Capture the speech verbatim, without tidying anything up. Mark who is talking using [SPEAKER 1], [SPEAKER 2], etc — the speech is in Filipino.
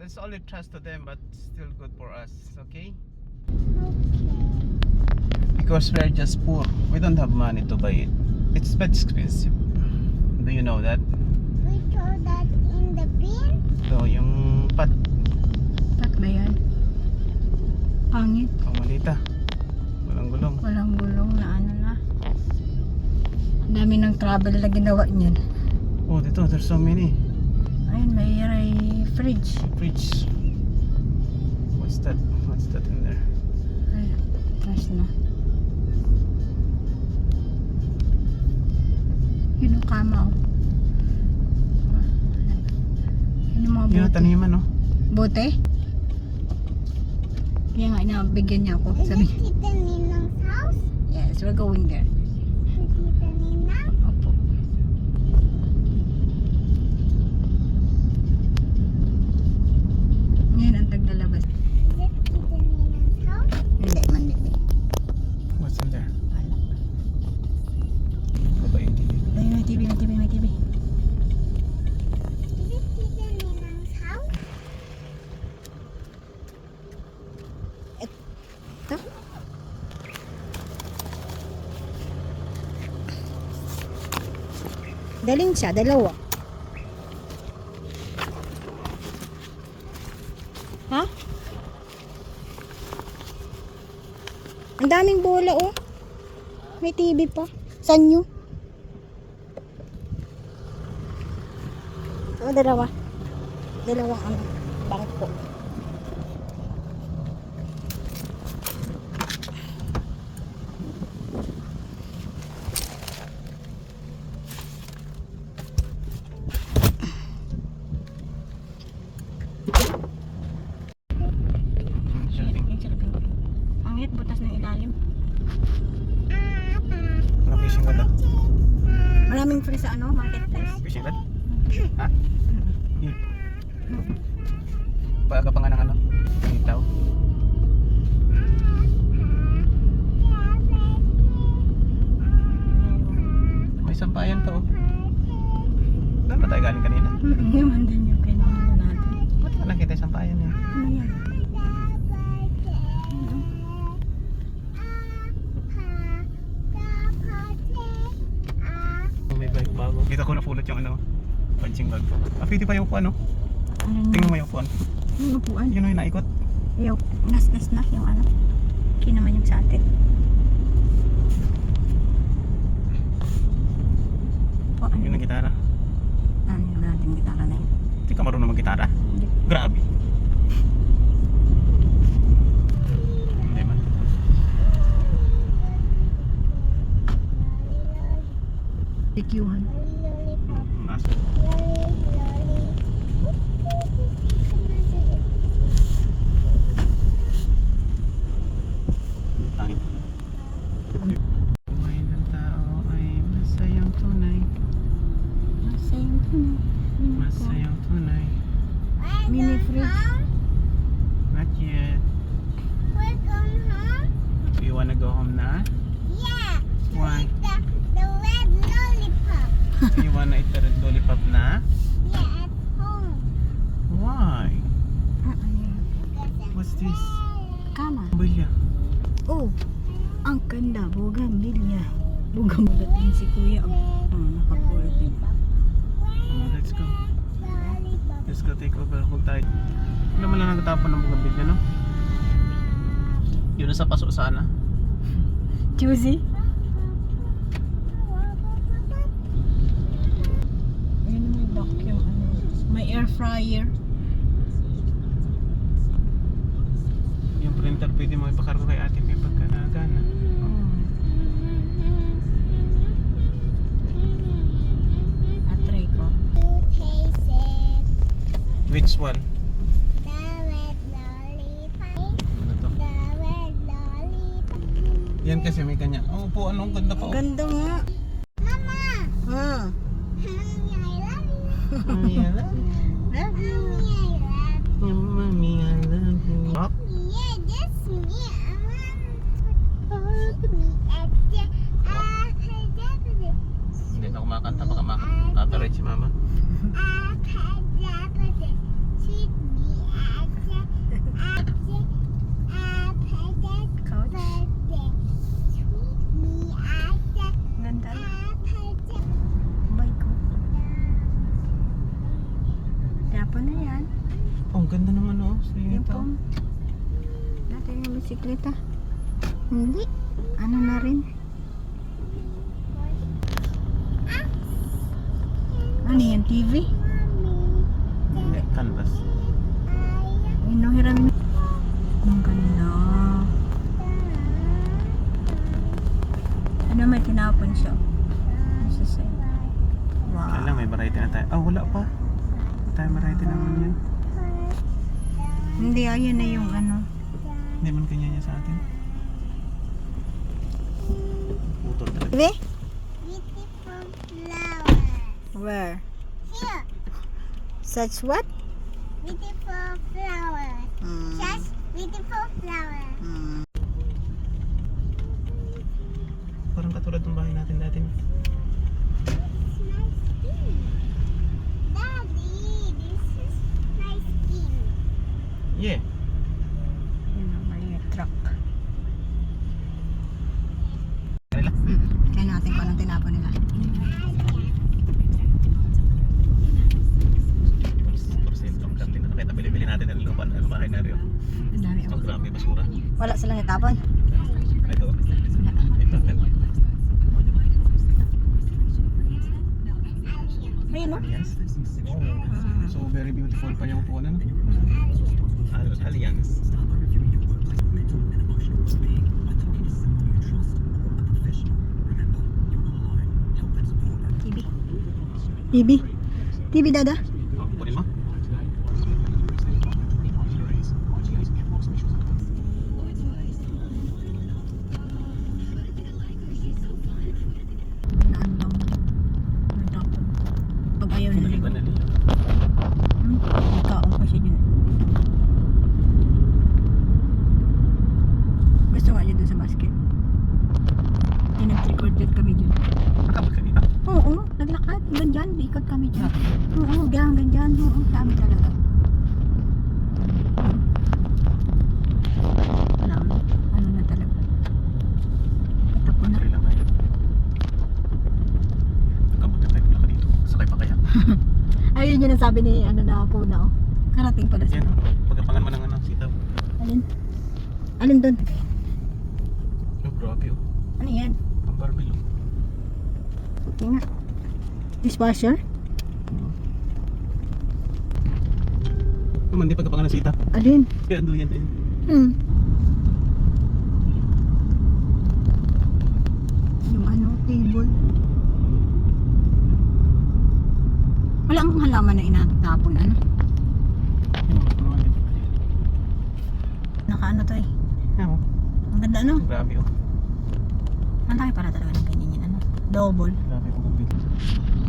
[SPEAKER 1] Let's only trust to them, but still good for us. Okay? Because we're just poor. We don't have money to buy it. It's but expensive. Do you know that?
[SPEAKER 2] We throw that in the bin.
[SPEAKER 1] So, yung pat.
[SPEAKER 3] Pat ba yan? Pangit.
[SPEAKER 1] Ang malita. Walang gulong.
[SPEAKER 3] Walang gulong na ano na. Ang dami ng travel na ginawa niyan.
[SPEAKER 1] Oh, dito. There's so many.
[SPEAKER 3] Ayun, may may fridge.
[SPEAKER 1] Fridge. What's that? What's that in there?
[SPEAKER 3] Ay, trash na. Yun ang kama oh. Yun yung mga
[SPEAKER 1] Yun ang
[SPEAKER 3] bote.
[SPEAKER 1] taniman, no?
[SPEAKER 3] Bote? Kaya nga, inabigyan niya ako.
[SPEAKER 2] Is
[SPEAKER 3] Sabi,
[SPEAKER 2] it Tita Ninang's house?
[SPEAKER 3] yes, we're going there.
[SPEAKER 2] Tita Ninang?
[SPEAKER 3] Opo. Ngayon ang taglalabas.
[SPEAKER 2] Is it Tita Ninang's house?
[SPEAKER 3] Hindi, mandi.
[SPEAKER 1] What's in there?
[SPEAKER 3] Wala.
[SPEAKER 1] Baba yung T V.
[SPEAKER 3] Ayun, may T V, may T V, may T V.
[SPEAKER 2] Is it Tita Ninang's house?
[SPEAKER 3] Ito? Daling siya, dalawa. Ha? Ang daming bola oh. May T V pa. Sanyo. Oh, dalawa. Dalawang ano, bangko. Pangit, butas ng ilalim.
[SPEAKER 1] Mga fishing rod, ah.
[SPEAKER 3] Maraming free sa ano, marketplace.
[SPEAKER 1] Fishing rod? Ha? Yun. Paaga pa nga ng ano? Itaw. May sampayan to, oh. Saan ba tayo galing kanina?
[SPEAKER 3] Yaman din yung kailangan natin.
[SPEAKER 1] Ba't ka nakita yung sampayan niya?
[SPEAKER 3] Ano yan?
[SPEAKER 1] Oh, may bike bago. Kita ko napulot yung ano, punching bag ko. Ah, pwede pa yung upuan, no?
[SPEAKER 3] Ano
[SPEAKER 1] Tingnan mo yung upuan.
[SPEAKER 3] yung upuan?
[SPEAKER 1] Yun yung naikot.
[SPEAKER 3] Yung nas-nas na yung ano. Kinaman yung sa atin. O, ano?
[SPEAKER 1] Yun ang gitara.
[SPEAKER 3] Ano yung nating gitara na yun?
[SPEAKER 1] Hindi ka marunong mag-gitara.
[SPEAKER 3] Hindi.
[SPEAKER 1] Grabe. Hindi man.
[SPEAKER 3] Dikyuhan.
[SPEAKER 1] Nasa. Tangin. Buhay ng tao ay masayang tunay.
[SPEAKER 3] Masayang tunay.
[SPEAKER 1] Masayang tunay.
[SPEAKER 3] Mini fridge.
[SPEAKER 1] Not yet.
[SPEAKER 2] We're going home?
[SPEAKER 1] Do you wanna go home na?
[SPEAKER 2] Yeah.
[SPEAKER 1] Why?
[SPEAKER 2] The, the red lollipop.
[SPEAKER 1] You wanna eat the red lollipop na?
[SPEAKER 2] Yeah, at home.
[SPEAKER 1] Why?
[SPEAKER 3] Ah, ano yun?
[SPEAKER 2] Because I'm
[SPEAKER 1] What's this?
[SPEAKER 2] red.
[SPEAKER 3] Kama.
[SPEAKER 1] Bilya.
[SPEAKER 3] Oh, ang ganda. Bugambilya. Bugamulatin si kuya. Oh, oh nakapulat din.
[SPEAKER 1] Oh, let's go.
[SPEAKER 2] Lollipop.
[SPEAKER 1] Let's go take over. Huwag tayo. Wala man lang nagtatapon ng bugabilya, no? Yun na sa paso sana.
[SPEAKER 3] Juicy? Ayun may vacuum. Ano. May air fryer.
[SPEAKER 1] Yung printer pwede mo ipakargo kay ate may pagkagana.
[SPEAKER 3] Oh. Atry ko.
[SPEAKER 2] You taste it.
[SPEAKER 1] Which one?
[SPEAKER 2] The red lollipop.
[SPEAKER 1] Ano to?
[SPEAKER 2] The red lollipop.
[SPEAKER 1] Yan kasi may kanya. Oh, po, anong ganda pa. Oh.
[SPEAKER 3] Ganda nga.
[SPEAKER 2] Mama!
[SPEAKER 3] Ah.
[SPEAKER 2] Mommy, I love you.
[SPEAKER 1] Mommy, I love you.
[SPEAKER 2] Mommy, I love you.
[SPEAKER 1] Mommy, I love you. Oh,
[SPEAKER 2] Yeah, that's me. I want to me at the ah,
[SPEAKER 1] hindi na kumakanta. Baka makaka-copyright si mama.
[SPEAKER 2] Sweet me
[SPEAKER 1] Oh, ang ganda ng ano. Sa
[SPEAKER 3] Yung
[SPEAKER 1] ito.
[SPEAKER 3] pong. Dati yung bisikleta. Hindi. Ano na rin? Ano yan? T V?
[SPEAKER 1] Hindi, canvas.
[SPEAKER 3] Inuhiram. Ang ganda. Ano may tinapon siya? Nasa side. Wow.
[SPEAKER 1] Kaya lang, may variety na tayo. Ah, wala pa. Wala tayo variety naman yan.
[SPEAKER 3] Hindi, ayan na yung ano.
[SPEAKER 1] Hindi man kanya niya sa atin. Putol talaga.
[SPEAKER 3] T V?
[SPEAKER 2] Beautiful flower.
[SPEAKER 3] Where?
[SPEAKER 2] Here.
[SPEAKER 3] Such what?
[SPEAKER 2] Beautiful flower.
[SPEAKER 3] Hmm.
[SPEAKER 2] Just beautiful flower.
[SPEAKER 3] Hmm.
[SPEAKER 1] Parang katulad ng bahay natin dati.
[SPEAKER 2] It's nice skin. Daddy, this is nice skin.
[SPEAKER 1] Yeah.
[SPEAKER 3] Yun ang mali truck.
[SPEAKER 1] Kanila.
[SPEAKER 3] Hmm. Kaya natin pa ng tinapon nila.
[SPEAKER 1] Porsyento ang kantin. Nakita bili-bili natin ng lupa ng bahay na rin.
[SPEAKER 3] Ang dami.
[SPEAKER 1] Ang grabe basura.
[SPEAKER 3] Wala silang natapon.
[SPEAKER 1] Ito. Ito.
[SPEAKER 3] Ayun no?
[SPEAKER 1] Alliance. Oh. So very beautiful pa yung upuan. Ano? Al- Alliance.
[SPEAKER 3] T V. T V. T V dada.
[SPEAKER 1] Oh, kunin mo.
[SPEAKER 3] Naandang. Natapon. Pag ayaw na
[SPEAKER 1] Pinaliban
[SPEAKER 3] nila.
[SPEAKER 1] na niya.
[SPEAKER 3] Hmm? May taong pa siya dyan. Gusto nga niya dun sa basket. Kaya nag-record din kami dyan.
[SPEAKER 1] Nakabot ka dito.
[SPEAKER 3] Oo, naglakad. Hanggang dyan, ikot kami dyan. Oo, hanggang dyan. Oo, dami talaga. Alam, ano na talaga. Patapon na.
[SPEAKER 1] Pantry lang tayo. Nakabot na tayo. Wala ka dito. Sakay pa kaya.
[SPEAKER 3] Ayun yun ang sabi ni ano na po na oh. Karating pala siya.
[SPEAKER 1] Yan. Pagkapangan mo ng ano, sitaw.
[SPEAKER 3] Alin? Alin dun?
[SPEAKER 1] Oh, grabe oh.
[SPEAKER 3] Ano yan?
[SPEAKER 1] Ang barbell oh.
[SPEAKER 3] Okay nga. Dishwasher?
[SPEAKER 1] Naman, di pagkapangan ng sitaw.
[SPEAKER 3] Alin?
[SPEAKER 1] Kaya ando yan din.
[SPEAKER 3] Hmm. Yung ano, table. Wala ang halaman na inatapon, ano? Naka ano to eh.
[SPEAKER 1] Yan oh.
[SPEAKER 3] Ang ganda ano?
[SPEAKER 1] Grabe oh.
[SPEAKER 3] Ang laki para talaga ng ganyan yan, ano? Double.
[SPEAKER 1] Grabe oh.